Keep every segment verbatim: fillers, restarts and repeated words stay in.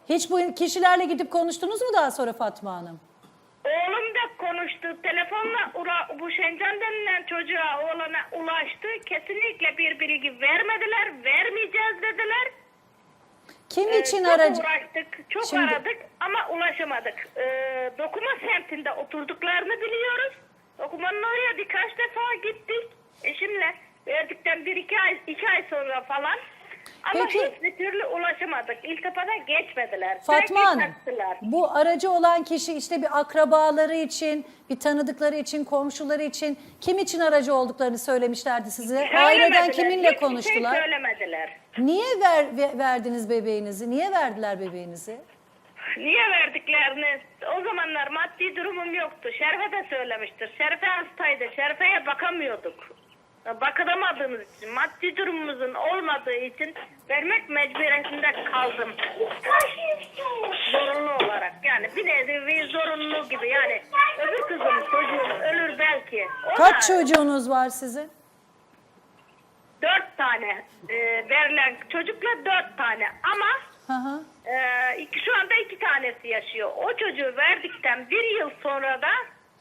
Hiç bu kişilerle gidip konuştunuz mu daha sonra Fatma Hanım? Oğlum da konuştu. Telefonla ula, bu Şencan denilen çocuğa, oğlana ulaştı. Kesinlikle bir bilgi vermediler. Vermeyeceğiz dediler. Kim Ee, için çok aracı? uğraştık, çok Şimdi- aradık ama ulaşamadık. Ee, Dokuma semtinde oturduklarını biliyoruz. Dokumanın oraya birkaç defa gittik. Eşimle verdikten bir iki ay, iki ay sonra falan. Ama Peki. hiçbir türlü ulaşamadık. İltifata geçmediler. Fatma Sürekli Hanım, kaçtılar. bu aracı olan kişi işte bir akrabaları için, bir tanıdıkları için, komşuları için, kim için aracı olduklarını söylemişlerdi size? Aileden Söylemediler, kiminle hiçbir konuştular? Şey söylemediler. Niye ver, ve- verdiniz bebeğinizi? Niye verdiler bebeğinizi? Niye verdiklerini? O zamanlar maddi durumum yoktu. Şerife de söylemiştir. Şerife hastaydı. Şerife'ye bakamıyorduk. Bakılamadığımız için, maddi durumumuzun olmadığı için vermek mecburiyetinde kaldım. Zorunlu olarak. Yani bir nevi zorunlu gibi. Yani öbür kızım çocuğum ölür belki. O Kaç da çocuğunuz var sizin? Dört tane e, verilen çocukla dört tane. Ama Hı hı. Ee, iki, şu anda iki tanesi yaşıyor. O çocuğu verdikten bir yıl sonra da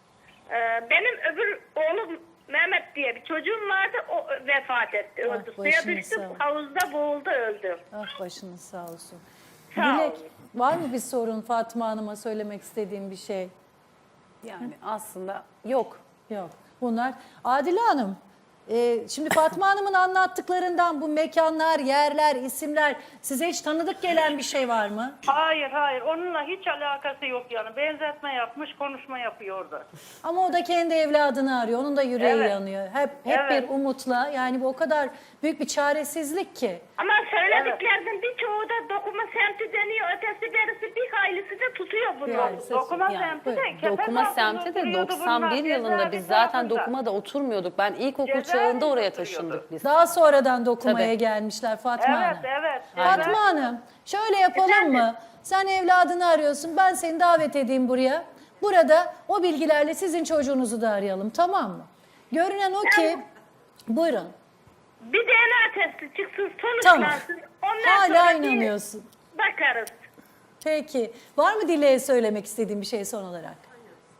e, benim öbür oğlum Mehmet diye bir çocuğum vardı. O vefat etti. Ah, Öldü. Suya başınız düştü. sağ olsun. Havuzda boğuldu öldü. Ah başınız sağ olsun. Sağ Dilek, olun. var mı bir sorun Fatma Hanım'a söylemek istediğim bir şey? Yani aslında yok. Yok. Bunlar. Adile Hanım, e, şimdi Fatma Hanım'ın anlattıklarından bu mekanlar, yerler, isimler size hiç tanıdık gelen bir şey var mı? Hayır hayır onunla hiç alakası yok yani. Benzetme yapmış, konuşma yapıyor orada. Ama o da kendi evladını arıyor. Onun da yüreği Evet. yanıyor. Hep hep Evet. bir umutla. Yani bu o kadar büyük bir çaresizlik ki. Ama söylediklerinin birçoğu da dokuma semti deniyor. Ötesi berisi bir haylisi de tutuyor bunu. Yani ses- Dokuma Yani, semti de buyurun. Kepez Dokuma altında semti de oturuyordu doksan bir bunlar, yılında biz cezaevi zaten tarafında. dokumada oturmuyorduk. Ben ilkokul Cezaevinde çağında oraya oturuyordu. taşındık biz. Daha sonradan dokumaya Tabii. gelmişler Fatma Evet Hanım. evet. Fatma evet. Hanım, şöyle yapalım Efendim? mı? Sen evladını arıyorsun, ben seni davet edeyim buraya. Burada o bilgilerle sizin çocuğunuzu da arayalım, tamam mı? Görünen o ki, buyurun. Bir D N A testi çıksın, Tamam. sonuçlansın. Ondan Hala sonra bir inanıyorsun. bakarız. Peki. Var mı Dile'ye söylemek istediğin bir şey son olarak?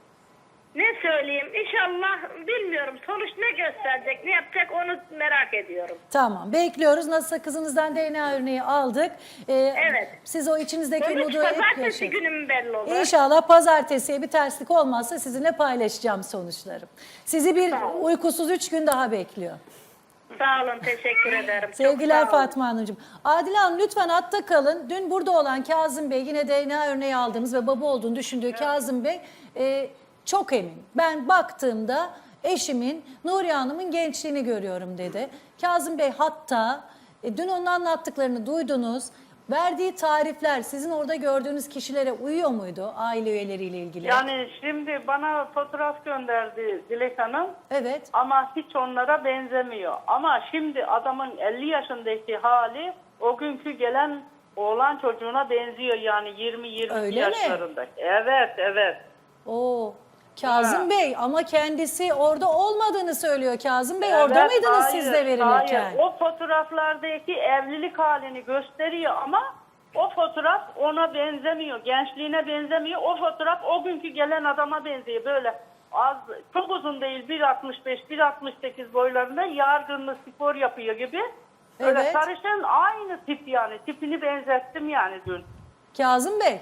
Ne söyleyeyim? İnşallah bilmiyorum. Sonuç ne gösterecek, ne yapacak onu merak ediyorum. Tamam. Bekliyoruz. Nasılsa kızınızdan D N A örneği aldık. Ee, Evet. Siz o içinizdeki Sonuç umudu hep pazartesi yaşayın. günü mü belli olur? İnşallah pazartesiye bir terslik olmazsa sizinle paylaşacağım sonuçları. Sizi bir Sağ olun. uykusuz üç gün daha bekliyor. Sağ olun, teşekkür ederim. Çok Sevgiler sağ olun. Fatma Hanımcığım. Adile Hanım lütfen hatta kalın. Dün burada olan Kazım Bey, yine D N A örneği aldığımız ve baba olduğunu düşündüğü Kazım Bey e, çok emin. Ben baktığımda eşimin Nuriye Hanım'ın gençliğini görüyorum dedi. Kazım Bey hatta e, dün onun anlattıklarını duydunuz. Verdiği tarifler sizin orada gördüğünüz kişilere uyuyor muydu aile üyeleriyle ilgili? Yani şimdi bana fotoğraf gönderdi Dilek Hanım. Evet. Ama hiç onlara benzemiyor. Ama şimdi adamın elli yaşındaki hali o günkü gelen oğlan çocuğuna benziyor yani yirmi yirmi Öyle mi? yaşlarında. Evet evet. Oo. Kazım Ha. Bey ama kendisi orada olmadığını söylüyor. Kazım Bey orada Evet, mıydınız hayır, siz de verilirken? Hayır. O fotoğraflardaki evlilik halini gösteriyor ama o fotoğraf ona benzemiyor. Gençliğine benzemiyor. O fotoğraf o günkü gelen adama benziyor. Böyle az, çok uzun değil, bir altmış beş bir altmış sekiz boylarında yargınlı spor yapıyor gibi. Öyle Evet. sarışın aynı tip yani. Tipini benzettim yani dün. Kazım Bey.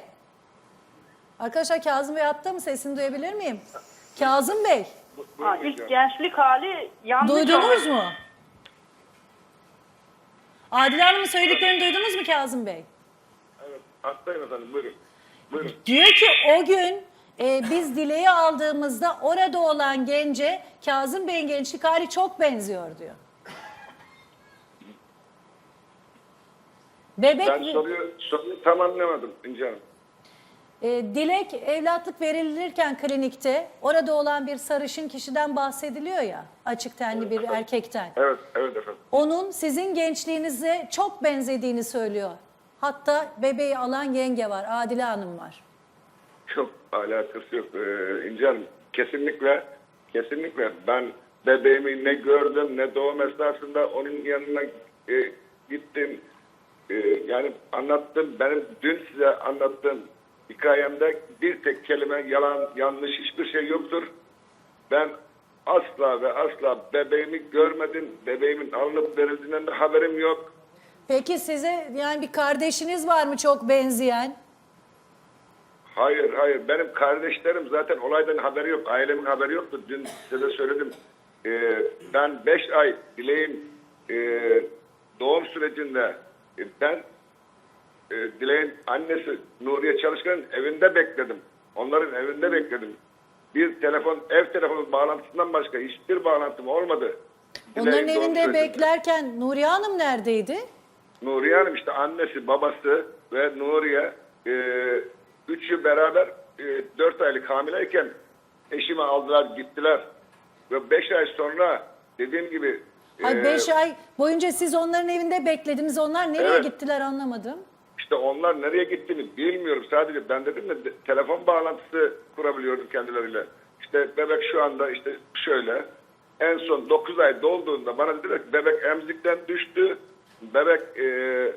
Arkadaşlar Kazım Bey hatta mı? Sesini duyabilir miyim? Kazım Bey. Ha, ilk gençlik hali yanlış Duydunuz olmuş. mu? Adile Hanım'ın söylediklerini duydunuz mu Kazım Bey? Evet, hastayım efendim. Buyurun. Buyurun. Diyor ki o gün e, biz Dile'yi aldığımızda orada olan gence Kazım Bey'in gençlik hali çok benziyor diyor. Bebek Ben soruyu, soruyu tam anlamadım İnce Hanım. e, Dilek evlatlık verilirken klinikte orada olan bir sarışın kişiden bahsediliyor ya, açık tenli bir erkekten. Evet, evet efendim. Onun sizin gençliğinize çok benzediğini söylüyor. Hatta bebeği alan yenge var, Adile Hanım var. Çok alakası yok ee, İnce Hanım. Kesinlikle, kesinlikle ben bebeğimi ne gördüm ne doğum esnasında onun yanına e, gittim. e, yani anlattığım, benim dün size anlattığım hikayemde bir tek kelime yalan, yanlış hiçbir şey yoktur. Ben asla ve asla bebeğimi görmedim. Bebeğimin alınıp verildiğinden de haberim yok. Peki size yani bir kardeşiniz var mı çok benzeyen? Hayır, hayır. Benim kardeşlerim zaten olaydan haberi yok. Ailemin haberi yoktu. Dün size de söyledim. Ee, ben beş ay Dileğin e, doğum sürecinde e, ben e, Dileğin annesi Nuriye Çalışkan'ın evinde bekledim. Onların evinde bekledim. Bir telefon, ev telefonu bağlantısından başka hiçbir bağlantım olmadı. Onların Dileğin doğum evinde sürecinde. beklerken Nuriye Hanım neredeydi? Nuriye Hanım işte annesi, babası ve Nuriye e, üçü beraber e, dört aylık hamileyken eşimi aldılar gittiler. Ve beş ay sonra dediğim gibi Ay e, beş ay boyunca siz onların evinde beklediniz. Onlar nereye Evet. gittiler anlamadım. işte onlar nereye gittiğini bilmiyorum. Sadece ben dedim de de- telefon bağlantısı kurabiliyordum kendileriyle. İşte bebek şu anda işte şöyle. En son dokuz ay dolduğunda bana dediler ki bebek emzikten düştü. Bebek e,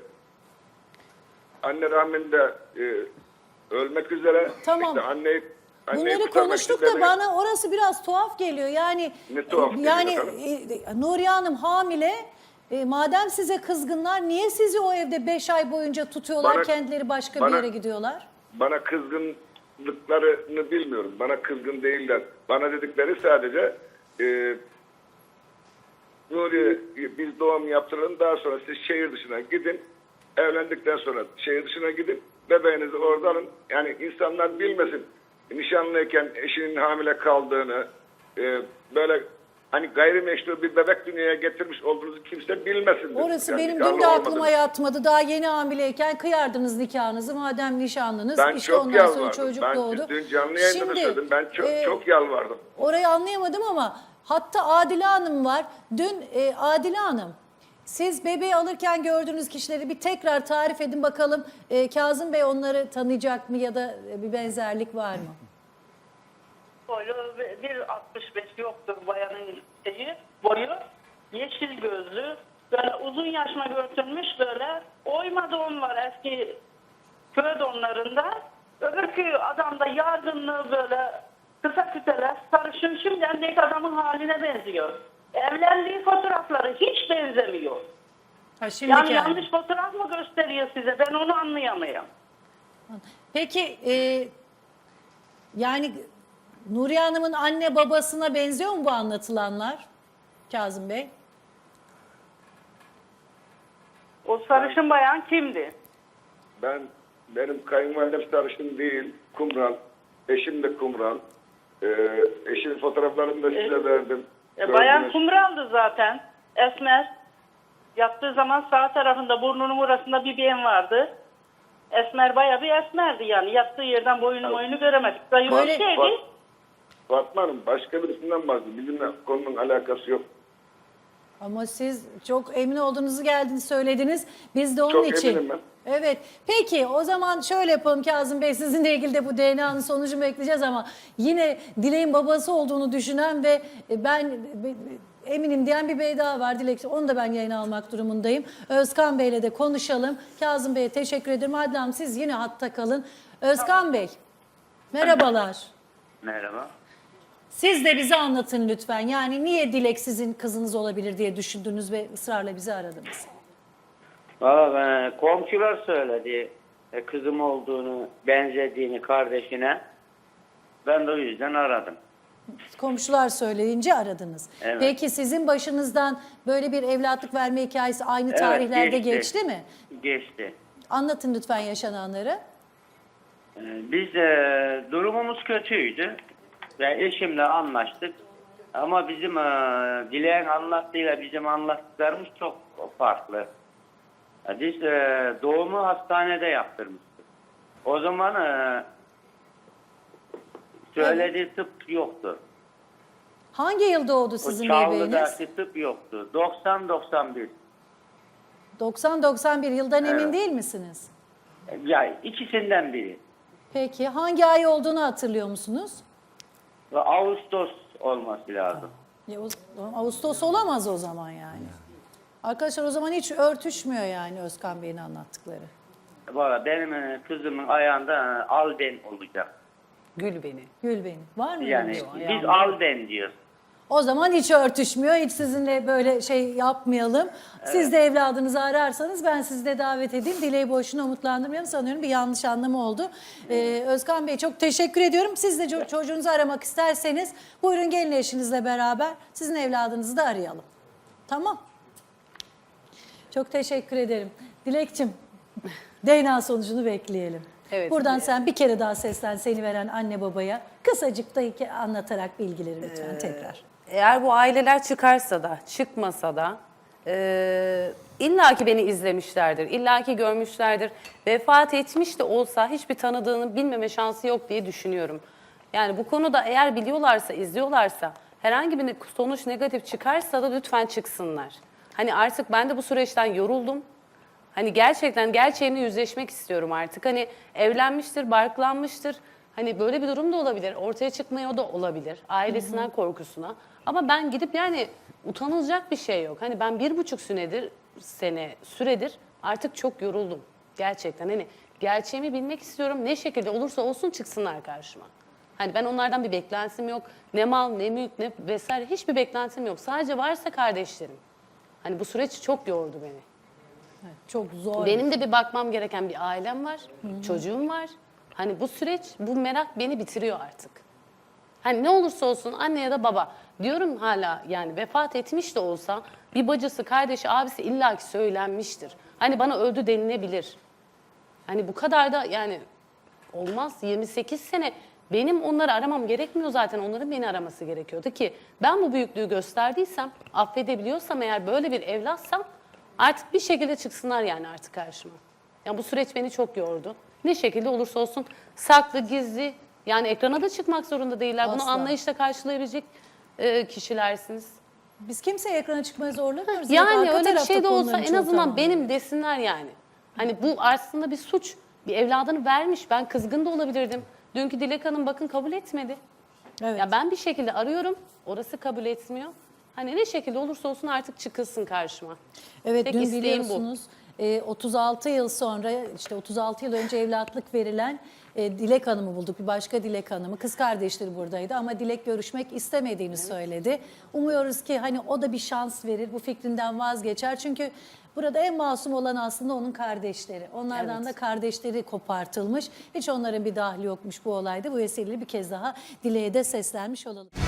anne rahminde e, ölmek üzere. Tamam. İşte anneyi, anneyi Bunları kurtarmak konuştuk için da bebeği- bana orası biraz tuhaf geliyor. Yani Ne tuhaf e, geliyor yani efendim? e, Nuriye Hanım hamile. E, madem size kızgınlar niye sizi o evde beş ay boyunca tutuyorlar, Bana- kendileri başka bir bana- yere gidiyorlar? Bana kızgınlıklarını bilmiyorum. Bana kızgın değiller. Bana dedikleri sadece e, Nuriye biz doğum yaptıralım daha sonra siz şehir dışına gidin. Evlendikten sonra şehir dışına gidin. Bebeğinizi orada alın. Yani insanlar bilmesin. Nişanlıyken eşinin hamile kaldığını e, böyle hani gayrimeşru bir bebek dünyaya getirmiş olduğunuzu kimse bilmesin. Orası Yani benim nikahlı dün de aklıma olmadığını. yatmadı. Daha yeni hamileyken kıyardınız nikahınızı madem nişanlınız. Ben işte çok ondan sonra yalvardım. çocuk Ben doğdu. dün canlı yayında da söyledim. Ben çok, e, çok yalvardım. Orayı anlayamadım ama hatta Adile Hanım var. Dün e, Adile Hanım siz bebeği alırken gördüğünüz kişileri bir tekrar tarif edin bakalım. E, Kazım Bey onları tanıyacak mı ya da bir benzerlik var mı? Boyu bir altmış beş yoktur bayanın şeyi, boyu. Yeşil gözlü, böyle uzun yaşma görünmüş böyle. Oyma don var eski köy donlarında. Öbürkü adam da yardımlı böyle kısa küteler, sarışın şimdiden adamın haline benziyor. Evlendiği fotoğrafları hiç benzemiyor. Ha, şimdiki Yani yani. yanlış fotoğraf mı gösteriyor size? Ben onu anlayamıyorum. Peki e, yani Nuriye Hanım'ın anne babasına benziyor mu bu anlatılanlar Kazım Bey? O sarışın bayan kimdi? Ben benim kayınvalidem sarışın değil, kumral. Eşim de kumral. Ee, eşimin fotoğraflarını da size verdim. E, bayan Gördünüz. kumraldı zaten. Esmer. Yattığı zaman sağ tarafında burnunun burasında bir beyin vardı. Esmer bayağı bir esmerdi yani. Yattığı yerden boyunu boyunu göremedik. Zayıf bir Böyle- şeydi. Fa- Fatma Hanım başka birisinden bahsediyor. Bizimle konunun alakası yok. Ama siz çok emin olduğunuzu geldiniz söylediniz. Biz de onun Çok için. eminim ben. Evet. Peki o zaman şöyle yapalım Kazım Bey. Sizinle ilgili de bu D N A'nın sonucunu bekleyeceğiz ama yine Dilek'in babası olduğunu düşünen ve ben eminim diyen bir bey daha var. Dilek, onu da ben yayına almak durumundayım. Özkan Bey'le de konuşalım. Kazım Bey'e teşekkür ederim. Adile Hanım siz yine hatta kalın. Özkan Bey, merhabalar. Merhaba. Siz de bize anlatın lütfen. Yani niye Dilek sizin kızınız olabilir diye düşündünüz ve ısrarla bizi aradınız? Valla e, komşular söyledi e, kızım olduğunu, benzediğini kardeşine. Ben de o yüzden aradım. Komşular söyleyince aradınız. Evet. Peki sizin başınızdan böyle bir evlatlık verme hikayesi aynı Evet, tarihlerde geçti. geçti mi? Geçti. Anlatın lütfen yaşananları. E, biz e, durumumuz kötüydü ve eşimle anlaştık. Ama bizim e, Dileğin anlattığıyla bizim anlattıklarımız çok farklı. E, biz e, doğumu hastanede yaptırmıştık. O zaman e, söylediği tıp yoktu. Hangi yıl doğdu O sizin bebeğiniz? Çağlı'daki tıp yoktu. doksan doksan bir. doksan doksan bir yıldan emin Evet. değil misiniz? Ya ikisinden biri. Peki hangi ay olduğunu hatırlıyor musunuz? Ve Ağustos olması lazım. Ya, o- Ağustos olamaz o zaman yani. Arkadaşlar o zaman hiç örtüşmüyor yani Özkan Bey'in anlattıkları. Valla benim e, kızımın ayağında e, Alden olacak. Gül beni. Gül Bey'in. Var mı? öyle Yani bir şey? biz Alden diyoruz. O zaman hiç örtüşmüyor. Hiç sizinle böyle şey yapmayalım. Siz de evladınızı ararsanız ben sizi de davet edeyim. Dileği boşuna umutlandırmayalım. Sanıyorum bir yanlış anlamı oldu. Ee, Özkan Bey çok teşekkür ediyorum. Siz de ço- çocuğunuzu aramak isterseniz buyurun gelin eşinizle beraber sizin evladınızı da arayalım. Tamam. Çok teşekkür ederim. Dilekçim D N A sonucunu bekleyelim. Evet. Buradan sen bir kere daha seslen seni veren anne babaya. Kısacık da iki- anlatarak bilgileri lütfen tekrar. Eğer bu aileler çıkarsa da, çıkmasa da e, illaki beni izlemişlerdir, illaki görmüşlerdir. Vefat etmiş de olsa hiçbir tanıdığını bilmeme şansı yok diye düşünüyorum. Yani bu konuda eğer biliyorlarsa, izliyorlarsa, herhangi bir sonuç negatif çıkarsa da lütfen çıksınlar. Hani artık ben de bu süreçten yoruldum. Hani gerçekten gerçeğini yüzleşmek istiyorum artık. Hani evlenmiştir, barklanmıştır. Hani böyle bir durum da olabilir. Ortaya çıkmaya da olabilir. Ailesinden korkusuna. Ama ben gidip yani utanılacak bir şey yok. Hani ben bir buçuk senedir, sene süredir artık çok yoruldum. Gerçekten hani gerçeğimi bilmek istiyorum. Ne şekilde olursa olsun çıksınlar karşıma. Hani ben onlardan bir beklentim yok. Ne mal, ne mülk, ne vesaire hiçbir beklentim yok. Sadece varsa kardeşlerim. Hani bu süreç çok yordu beni. Çok zor. Benim de bir bakmam gereken bir ailem var, çocuğum var. Hani bu süreç, bu merak beni bitiriyor artık. Hani ne olursa olsun anne ya da baba diyorum hala yani vefat etmiş de olsa bir bacısı, kardeşi, abisi illaki söylenmiştir. Hani bana öldü denilebilir. Hani bu kadar da yani olmaz. yirmi sekiz sene benim onları aramam gerekmiyor zaten. Onların beni araması gerekiyordu ki ben bu büyüklüğü gösterdiysem, affedebiliyorsam eğer böyle bir evlatsam artık bir şekilde çıksınlar yani artık karşıma. Yani bu süreç beni çok yordu. Ne şekilde olursa olsun saklı, gizli yani ekrana da çıkmak zorunda değiller. Bunu Asla. anlayışla karşılayabilecek e, kişilersiniz. Biz kimseye ekrana çıkmaya zorlamıyoruz. Yani Arka öyle bir tarafta şey de olsa konuların en çoğu azından tamam. benim desinler yani. Hani bu aslında bir suç. Bir evladını vermiş. Ben kızgın da olabilirdim. Dünkü Dilek Hanım bakın kabul etmedi. Evet. Ya ben bir şekilde arıyorum. Orası kabul etmiyor. Hani ne şekilde olursa olsun artık çıkılsın karşıma. Evet Tek dün isteğim bu. biliyorsunuz e, otuz altı yıl sonra işte otuz altı yıl önce evlatlık verilen e, Dilek Hanım'ı bulduk. Bir başka Dilek Hanım'ı. Kız kardeşleri buradaydı ama Dilek görüşmek istemediğini söyledi. Umuyoruz ki hani o da bir şans verir. Bu fikrinden vazgeçer. Çünkü burada en masum olan aslında onun kardeşleri. Onlardan Evet. da kardeşleri kopartılmış. Hiç onların bir dahli yokmuş bu olayda. Bu vesileyle bir kez daha Dilek'e de seslenmiş olalım.